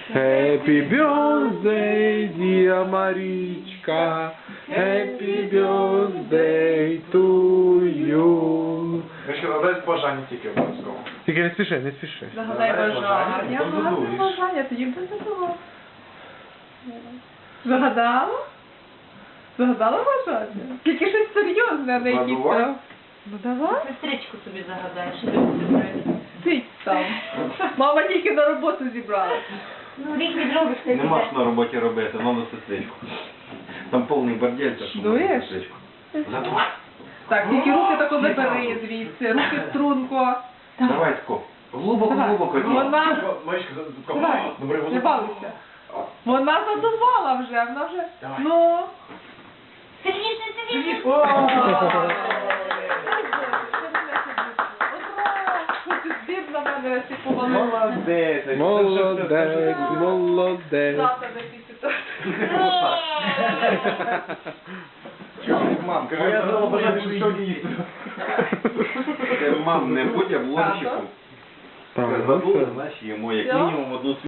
Happy birthday, dear Марічка. Happy birthday to you. Мишка, задай бажання тільки обов'язково. Тільки не спіши, не спіши. Загадай бажання. потім Загадай задумаєш. бажання, тоді буде задумав. Загадала? Загадала бажання? Тільки щось серйозне, а не якісь Задувай. там. Ну давай. Сестричку собі загадаєш, що ти будеш. Сидь там. Мама тільки на роботу зібрала. Ну, рік відробиш, ти Нема що на роботі робити, надо сестричку. Там повний бордель, так що Дуєш? можна сестричку. Задуй. Так, тільки руки тако забери звідси, руки в струнко. Давай тако. Глибоко, Давай. глибоко. Вона, Мишка, давай, добре, не балуйся. Вона задувала вже, вона вже, Давай. ну. Сильніше, сильніше. О! Збір на мене сипували. Молодець. Молодець, молодець. Завтра на після. Мам, кажи, я задала бажання, що сьогодні їсти. Мам, не будь обломщиком. Так, ну Задули, все. значить, їмо як Всьо? мінімум одну